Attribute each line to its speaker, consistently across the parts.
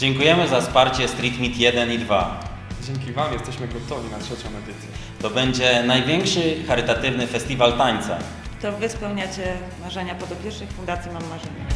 Speaker 1: Dziękujemy za wsparcie Street Meet 1 i 2.
Speaker 2: Dzięki Wam jesteśmy gotowi na trzecią edycję.
Speaker 1: To będzie największy charytatywny festiwal tańca.
Speaker 3: To Wy spełniacie marzenia podopiecznych Fundacji Mam Marzenia.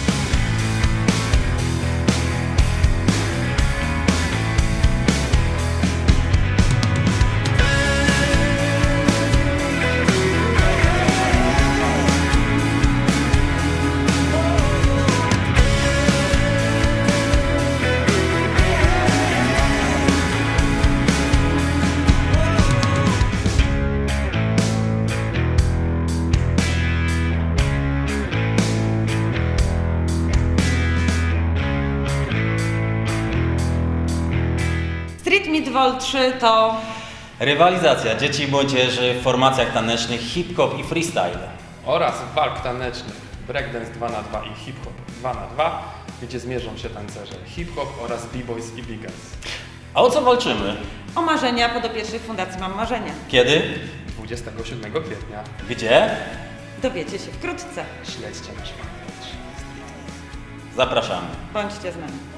Speaker 3: Street Meet Vol 3 to
Speaker 1: Rywalizacja dzieci i młodzieży w formacjach tanecznych hip-hop i freestyle.
Speaker 2: Oraz walk tanecznych breakdance 2x2 i hip-hop 2x2, gdzie zmierzą się tancerze hip-hop oraz b-boys i b-girls.
Speaker 1: A o co walczymy?
Speaker 3: o marzenia podopiecznych Fundacji Mam Marzenia.
Speaker 1: Kiedy?
Speaker 2: 27 kwietnia.
Speaker 1: Gdzie?
Speaker 3: Dowiecie się wkrótce.
Speaker 2: Śledźcie nasz fanpage.
Speaker 1: Zapraszamy.
Speaker 3: Bądźcie z nami.